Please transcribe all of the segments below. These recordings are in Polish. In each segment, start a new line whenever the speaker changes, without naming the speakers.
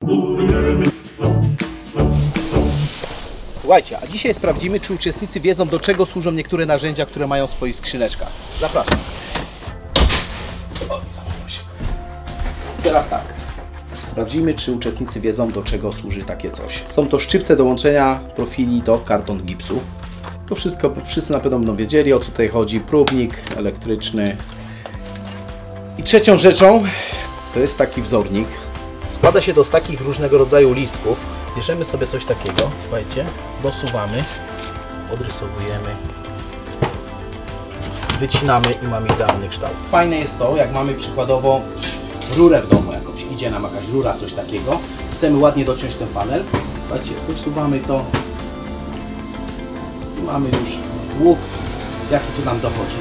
Słuchajcie, a dzisiaj sprawdzimy, czy uczestnicy wiedzą, do czego służą niektóre narzędzia, które mają w swoich skrzyneczkach. Zapraszam. Teraz tak. Sprawdzimy, czy uczestnicy wiedzą, do czego służy takie coś. Są to szczypce do łączenia profili do karton gipsu. To wszystko wszyscy na pewno będą wiedzieli, o co tutaj chodzi. Próbnik elektryczny. I trzecią rzeczą to jest taki wzornik. Składa się to z takich różnego rodzaju listków. Bierzemy sobie coś takiego, słuchajcie, dosuwamy, odrysowujemy, wycinamy i mamy idealny kształt. Fajne jest to, jak mamy przykładowo rurę w domu jakąś, idzie nam jakaś rura, coś takiego, chcemy ładnie dociąć ten panel, słuchajcie, dosuwamy to i mamy już łuk, jaki tu nam dochodzi.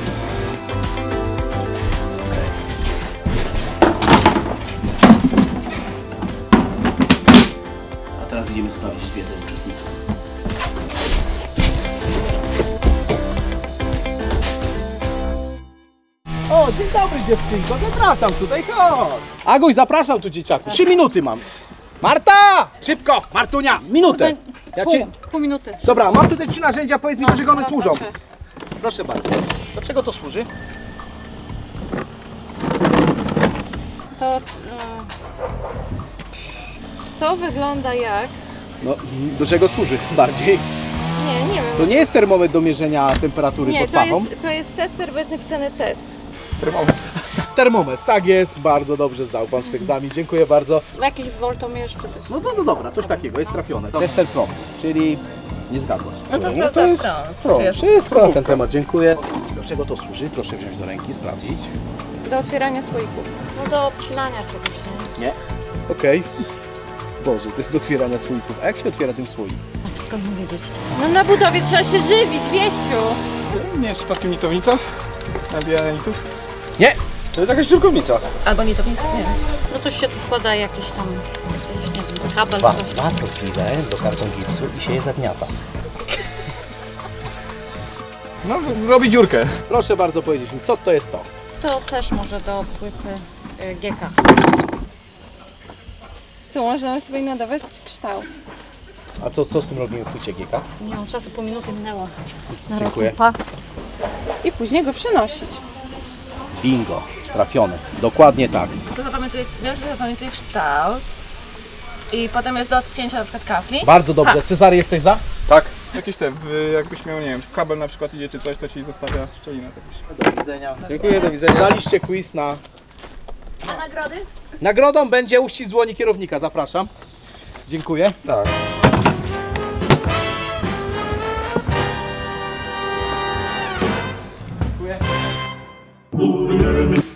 Teraz idziemy sprawdzić wiedzę uczestników. O, dzień dobry dziewczynko, zapraszam tutaj, chodź. Aguś, zapraszam tu dzieciaku, 3 minuty mam. Marta! Szybko, Martunia, minutę.
Pół minuty.
Dobra, mam tutaj 3 narzędzia, powiedz mi, do czego one służą. Proszę bardzo. Do czego to służy?
To wygląda jak...
No, do czego służy bardziej?
Nie wiem.
To nie jest termometr do mierzenia temperatury pod pachą?
To jest tester, bo jest napisany test.
Termometr, tak jest, bardzo dobrze zdał pan w egzamin, dziękuję bardzo.
Jakiś woltomierz czy coś.
No dobra, coś takiego, jest trafione. Tester Pro, czyli nie zgadłaś.
No to
jest Pro. Wszystko na ten temat, dziękuję. Do czego to służy? Proszę wziąć do ręki, sprawdzić.
Do otwierania słoików. No do obcinania czegoś,
nie? Okej. Boże, to jest do otwierania słoików. A jak się otwiera tym słoik?
Skąd mam wiedzieć? No na budowie trzeba się żywić, Wiesiu!
Nie jest przypadkiem nitownica? Nabijanie nitów?
Nie! To jest jakaś dziurkownica.
Albo nitownica? Nie wiem. No coś się tu wkłada, jakiś tam, nie wiem, kabel, coś.
Dwa profile do karton gipsu i się je zagniata.
No, robi dziurkę.
Proszę bardzo powiedzieć mi, co to jest to?
To też może do płyty GK. Tu można sobie nadawać kształt.
A co z tym robimy w płycie GK?
Nie mam czasu, pół minuty minęło.
Dziękuję.
I później go przenosić.
Bingo, trafiony. Dokładnie tak.
To zapamiętuję kształt i potem jest do odcięcia na przykład kafli.
Bardzo dobrze. Cezary, jesteś za?
Tak. Jakieś jakbyś miał, nie wiem, kabel na przykład idzie czy coś, to ci zostawia szczelinę.
Do widzenia. Dziękuję, do widzenia. Daliście quiz na...
A nagrody?
Nagrodą będzie uścisk dłoni kierownika, zapraszam. Dziękuję.
Tak.
Dziękuję.